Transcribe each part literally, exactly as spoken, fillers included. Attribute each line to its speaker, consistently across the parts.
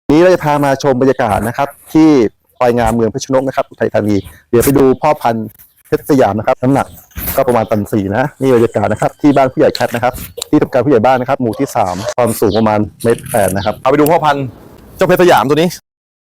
Speaker 1: นี้เราจะพามาชมบรรยากาศนะครับที่ควายงามเมืองเพชรนกนะครับอุทัยธานีเดี๋ยวไปดูพ่อพันธุ์เพชรสยามนะครับน้ำหนักก็ประมาณตันสี่นะนี่บรรยากาศนะครับที่บ้านผู้ใหญ่แคทนะครับที่ทำการผู้ใหญ่บ้านนะครับหมู่ที่สามความสูงประมาณเมตรแปดนะครับเอาไปดูพ่อพันธุ์เจ้าเพชรสยามตัวนี้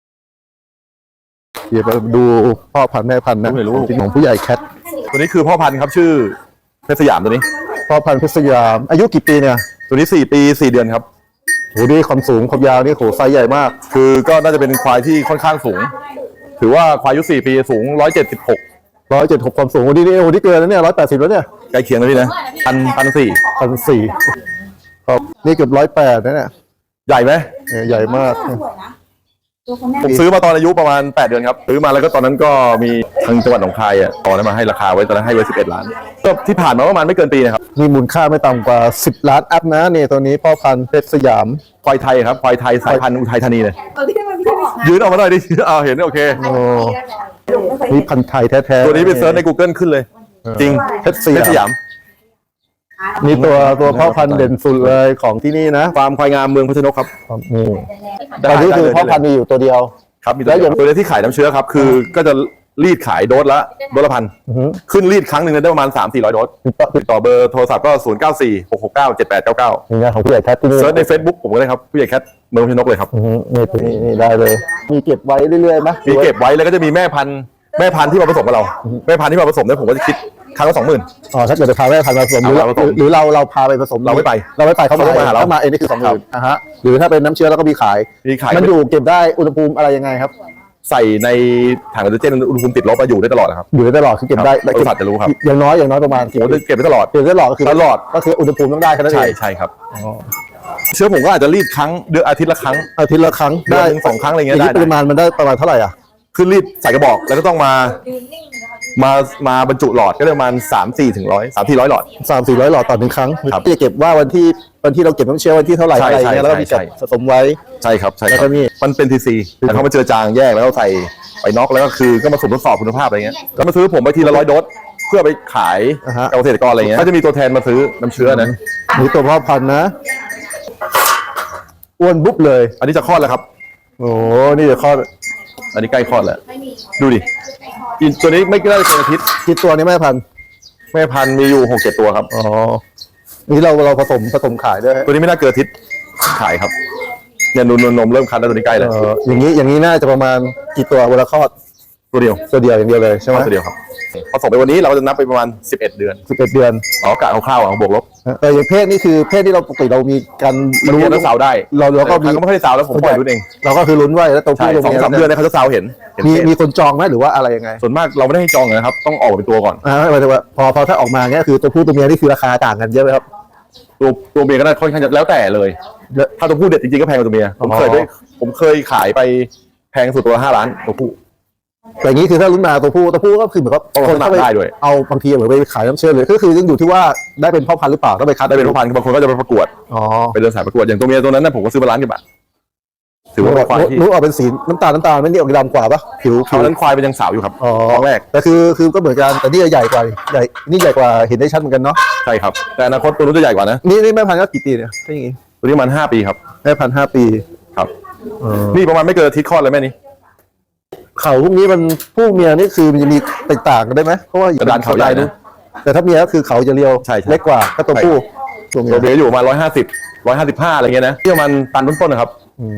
Speaker 1: เดี๋ยวไปดูพ่อพันธุ์แม่พันธุ์นะที่ของผู้ใหญ่แคทตัวนี้คือพ่อพันธุ์ครับชื่อเพชรสยามตัวนี้พ่อพันธุ์เพชรสยามอายุกี่ปีเนี่ยตัวนี้สี่ปีสี่เดือนครับโหนี่ความสูงความยาวนี่โหไซส์ใหญ่มากคือก็น่าจะเป็นควายที่ค่อนข้างสูงถือว่าควายอายุสี่ปีสูงร้อยเจ็ดสิบหกร้อยเจ็ดหกความสูงโอ้นี่นี่โอ้ที่เกินแล้วเนี่ยร้อยแปดสิบแล้วเนี่ยใกล้เคียงแล้วพี่นะพันพันสี่พันสี่ครับนี่เกือบร้อยแปดนะเนี่ยใหญ่ไหมใหญ่มากผมซื้อมาตอนอายุประมาณแปดเดือนครับซื้อมาแล้วก็ตอนนั้นก็มีทางจังหวัดหนองคายอ่ะตอนนั้นมาให้ราคาไว้ตอนนั้นให้ไว้สิบเอ็ดล้านก็ที่ผ่านมาประมาณไม่เกินปีนะครับมีมูลค่าไม่ต่ำกว่าสิบล้านอัพนะเนี่ยตัวนี้พ่อพันธุ์เพชรสยามควายไทยครับควายไทยสายพันธุ์อุทัยธานีเลยยืนออกมาหน่อยดิเอาเห็นโอเคโอ้นี่พันธุ์ไทยแท้ๆตัวนี้ไปเซิร์ชใน Google ขึ้นเลยจริงเพชรสยามนี่ตัวตัวพ่อพันธุ์เด่นสุดเลยของที่นี่นะฟาร์มควายงามเมืองเพชรนกครับนี่ตอนนี้คือพ่อพันธุ์มีอยู่ตัวเดียวครับแล้วอย่างตัวนี้ที่ขายน้ำเชื้อครับคือก็จะรีดขายโดสละโดสละพันขึ้นรีดครั้งหนึ่งได้ประมาณสามสี่ร้อยโดสติดต่อเบอร์โทรศัพท์ก็ศูนย์เก้าสี่หกหกเก้าเจ็ดแปดเก้าเก้านี่ของผู้ใหญ่แคทที่นี่เซิร์ชใน Facebook ผมก็ได้ครับผู้ใหญ่แคทเมืองเพชรนกเลยครับนี่ตัวนี้นี่ได้เลยมีเก็บไว้เรื่อยๆไหมมีเก็บไว้แล้วก็จะมีแม่พันธุ์แม่พันธุ์ที่มาผสมกับเราแม่พันธุ์ที่มาผสมเนี่ยผมก็จะคิดครั้งละสองหมื่นอ๋อถ้าเกิดจะพาแม่พันธุ์มาผสมหรือหรือเราเราพาไปผสมเราไม่ไปเราไม่ไปเขามาหาเราถ้ามาเองนี่คือสองหมื่นอ่ะฮะหรือถ้าเป็นน้ำเชื้อแล้วก็มีขายมีขายมันอยู่เก็บได้อุณหภูมิอะไรยังไงครับใส่ในถังออกซิเจนอุณหภูมิติดลบมาอยู่ได้ตลอดครับอยู่ได้ตลอดคือเก็บได้บริษัทจะรู้ครับอย่างน้อยอย่างน้อยประมาณโอ้เก็บได้ตลอดเก็บได้ตลอดก็คือตลอดก็คืออุณหภูมิต้องได้แค่นั้นเองใช่ใช่ครับเชื้อผมก็อาจจะรีดครั้งเดือนอาทิตย์ละครั้งอาทิตย์ละครั้งได้สองครั้งอะไรเงี้ยได้ปริมาณมันได้ประมาณเท่าไหร่อ่ะคือรีดใส่กระบอกแล้วก็ต้องมามามาบรรจุหลอดก็ประมาณสามสี่ถึงร้อยสามสี่ร้อยหลอดสามสี่ร้อยหลอดต่อหนึ่งครั้งจะเก็บว่าวันที่วันที่เราเก็บน้ำเชื้อวันที่เท่าไหร่อะไรเงี้ยแล้วก็มีการสะสมไว้ใช่ครับใช่ครับมันเป็นทีซีแต่เขามาเจอจางแยกแล้วใส่ไปน็อกแล้วก็คือก็มาสุ่มทดสอบคุณภาพอะไรเงี้ยก็มาซื้อผมไปทีละร้อยโดสเพื่อไปขายเกษตรกรอะไรเงี้ยก็จะมีตัวแทนมาซื้อน้ำเชื้อนะมีตัวพ่อพันธุ์นะอ้วนบุ๊บเลยอันนี้จะคลอดแล้วครับโอ้นี่จะคลอดอันนี้ใกล้คลอดแล้วดูดิตัวนี้ไม่น่าจะเป็นอาทิตย์กี่ตัวนี้แม่พันธุ์แม่พันธุ์มีอยู่หกเจ็ดตัวครับอ๋อนี่เราเราผสมผสมขายด้วยตัวนี้ไม่น่าเกินอาทิตย์ขายครับเนี่ยนมนมเริ่มคันแล้วตัวนี้ใกล้แล้วอย่างนี้อย่างนี้น่าจะประมาณกี่ตัวเวลาคลอดตัวเดียวตัวเดียวอย่างเดียวเลยใช่ไหมตัวเดียวครับผสมไปวันนี้เราจะนับไปประมาณสิบเอ็ดเดือนสิบเอ็ดเดือนอ๋อกะคร่าวๆเอาบวกลบแต่อย่างเพศนี่คือเพศที่เราปกติเรามีการรู้แล้วสาวได้เราเราก็มีก็ไม่ค่อยสาวแล้วผมปล่อยลุ้นเองเราก็คือลุ้นไว้แล้วตัวผู้สองสามเดือนเนี่ยเขาจะสาวเห็นมีมีคนจองไหมหรือว่าอะไรยังไงส่วนมากเราไม่ได้ให้จองนะครับต้องออกเป็นตัวก่อนอ่าหมายถึงว่าพอพอถ้าออกมาเนี้ยคือตัวผู้ตัวเมียนี่คือราคาต่างกันเยอะไหมครับตัวตัวเมียก็ได้ค่อนข้างแล้วแต่เลยถ้าตัวผู้เด็ดจริงๆก็แพงกว่าตัวเมียผมเคยได้ผมเคยขายไปแพงสุดตัวห้าล้านตัวผู้แต่อย่างนี้คือถ้าลุ้นมาตัวผู้ตัวผู้ก็คือเหมือนกับคนเข้าไปได้ด้วยเอาบางทีเหมือนไปขายน้ำเชื่อเลยก็คือยังอยู่ที่ว่าได้เป็นพ่อพันธุ์หรือเปล่าต้องไปคัดได้เป็นพ่อพันธุ์บางคนก็จะไปประกวดอ๋อไปเดินสายประกวดอย่างตัวเมียตัวนั้นนะผมก็ซื้อมาล้านกว่าบาทถือว่าเป็นควายที่รู้ออกเป็นสีน้ำตาลน้ำตาลไม่ได้ออกดำกว่าปะผิวผิวนั้นควายเป็นยังสาวอยู่ครับอ๋อแรกแต่คือคือก็เหมือนกันแต่นี่ใหญ่กว่าใหญ่นี่ใหญ่กว่าเห็นได้ชัดเหมือนกันเนาะใช่ครับแต่อนาคตตัวนู้นจะใหญ่กว่านะนี่นี่แม่พันธุ์ก็กี่ปีเนี่ยใช่ยังไงตัวนี้มันห้าปีครับแม่พันธุ์ห้าปีครับนี่ประมาณไม่เกินอาทิตย์คลอดเลยแม่นี้เขาพวกนี้มันผู้เมียนี่คือมันจะมีแตกต่างกันได้ไหมเพราะว่าอยู่ด้านเขาใหญ่นะแต่ถ้าเมียก็คือเขาจะเรียวเล็กกว่าก็ตัวผู้ตัวเมียตัวเมียอยู่มาร้อยห้าสิบร้อยห้าสิบห้าอะไรเงี้ยนะที่ประมาณตันต้นๆนะครับ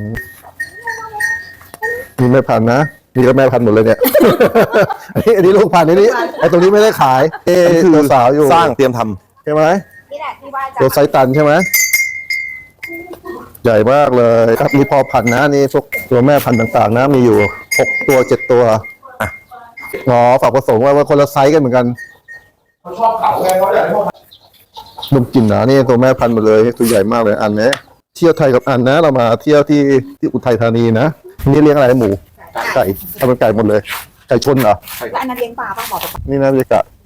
Speaker 1: มีแม่พันธุ์นะมีก็แม่พันธุ์หมดเลยเนี่ยอันนี้อันนี้ลูกพันธุ์นี้ไอ้ตรงนี้ไม่ได้ขายเอตัวสาวอยู่สร้างเตรียมทำใช่ไหมตัวไซตันใช่ไหมใหญ่มากเลยครับมีพอพันธุ์นะนี่พวกตัวแม่พันธุ์ต่างๆนะมีอยู่หกตัวเจ็ดตัวอ่ะอ๋อฝากผสมไว้ว่าคนละไซส์กันเหมือนกันเขาชอบเขาไงเขาอยากให้นมกลิ่นนะนี่ตัวแม่พันธุ์หมดเลยตัวใหญ่มากเลยอันนี้เที่ยวไทยกับอันนะเรามาเที่ยวที่ที่อุทัยธานีนะนี่เลี้ยงอะไรหมูไก่ทำเป็นไก่หมดเลยไก่ชนเหรอแล้วอันนั้นเลี้ยงปลาป่ะบอกนี่นะบรรยากาศ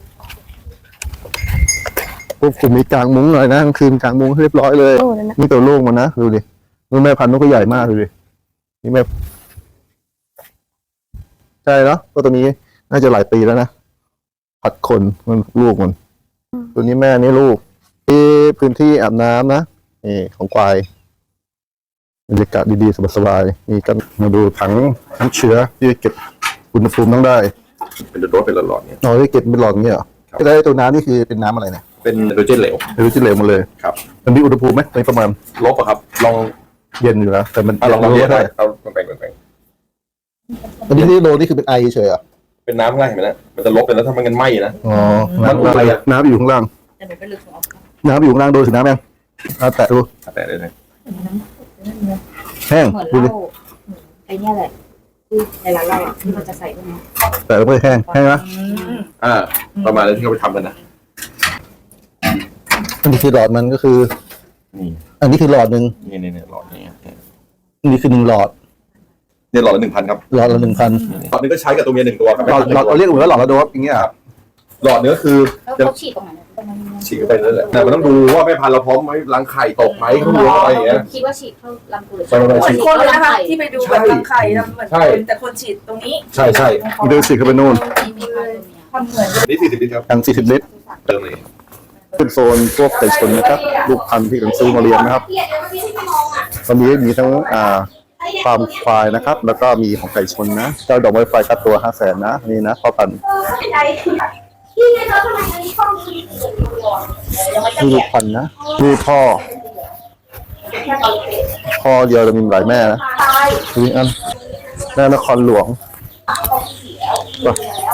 Speaker 1: พวกกลุ่มมีกลางมุ้งหน่อยนะกลางคืนกลางมุ้งเรียบร้อยเลยนี่ตัวลูกมันนะดูดินี่แม่พันธุ์นกก็ใหญ่มากดูดินี่แม่ใช่เนาะตัวนี้น่าจะหลายปีแล้วนะผัดขนมันลูกมันตัวนี้แม่นี่ลูกที่พื้นที่อาบน้ำนะนี่ของควายบรรยากาศดีๆสบายๆมีกันมาดูถังน้ำเชื้อที่เก็บอุณหภูมิต้องได้
Speaker 2: เป็นรถเป็นหลอดๆเนี่ย
Speaker 1: อ๋อที่เก็บเป็นหลอดเงี้ยเหรอแล้วตัวน้ำนี่คือเป็นน้ำอะไรเนี่ย
Speaker 2: เป็นไฮโดรเจนเหลว
Speaker 1: ไฮโดรเจนเหลวหมดเลย
Speaker 2: ครับ
Speaker 1: มันมีอุณหภูมิไหมในประมาณ
Speaker 2: ลบอะครับลอง
Speaker 1: เย็นอยู่แล้วแต่มัน
Speaker 2: ลองลองเย็นได้เอาแบ่งแบ่ง
Speaker 1: อันนี้ที่โลนี่คือเป็นไอเฉยอ่ะ
Speaker 2: เป็นน้ำข้างล่างเห็นไหมนะมันจะลบไปแล้วถ้ามันกันไหม้นะ
Speaker 1: อ๋อน้ำอะไรน้ำอยู่ข้างล่างน้ำอยู่ข้างล่างโดนถึงน้ำยังเอาแตะดู
Speaker 2: แตะได้เลย
Speaker 1: แห้ง
Speaker 3: ดูดิไอ้เนี่ยแหละที่ในร้านเราอ่ะที่เราจะใส่ตรงนี้
Speaker 1: แต่ไม่แห้งแห้งไหม
Speaker 2: อ่าประมาณนั้นที่เขาไปทำกันนะ
Speaker 1: อันนี้คือหลอดมันก็คือ
Speaker 2: นี่
Speaker 1: อันนี้คือหลอดหนึ่ง
Speaker 2: นี่นี่หลอดนี้
Speaker 1: อันนี้คือหนึ่งหลอด
Speaker 2: เนี่ยหลอดละหนึ่งพันครับ
Speaker 1: หลอดละหนึ่งพัน
Speaker 2: หลอดนึงก็ใช้กับตัวเมียหนึ่งตัวครับ
Speaker 1: หลอดหลอดเราเรียกเหมือนหลอดละโดสอย่างเงี้ยครับ
Speaker 2: หลอดเนื้อคือ
Speaker 3: จะฉีดตรงไหน
Speaker 2: ฉีดไปนั่นแหละแต่มันต้องดูว่าแม่พันธุ์เราพร้อมไหมรังไข่ตกไหมเขาดูอะไรอย่างเงี้ย
Speaker 3: คิดว่าฉีดเข้าลำตัว
Speaker 4: คนเลยนะคะที่ไปดูแบบรังไข่ทำเหมือนคนแต่คนฉีดตรงนี้
Speaker 2: ใช่ใช่
Speaker 1: เดินฉีดเข้าไปนู่น
Speaker 4: ทำเหมือน
Speaker 2: นี่สี่สิบลิตรครับ
Speaker 1: ทางสี่สิบลิตร
Speaker 2: เติมเลย
Speaker 1: เป็นโซนพวกไก่ชนนะครับลูกพันธุ์ที่กำลังซื้อมาเลี้ยงนะครับตอนนี้มีทั้งอ่าฟาร์มควายนะครับแล้วก็มีของไก่ชนนะเจ้าดอกไม้ไฟค่าตัวห้าแสนนะนี่นะพ่อพันธุ์นี่ลูกพันธุ์นะนี่พ่อพ่อเดียวจะมีหลายแม่นะนี่อันแม่นครหลวง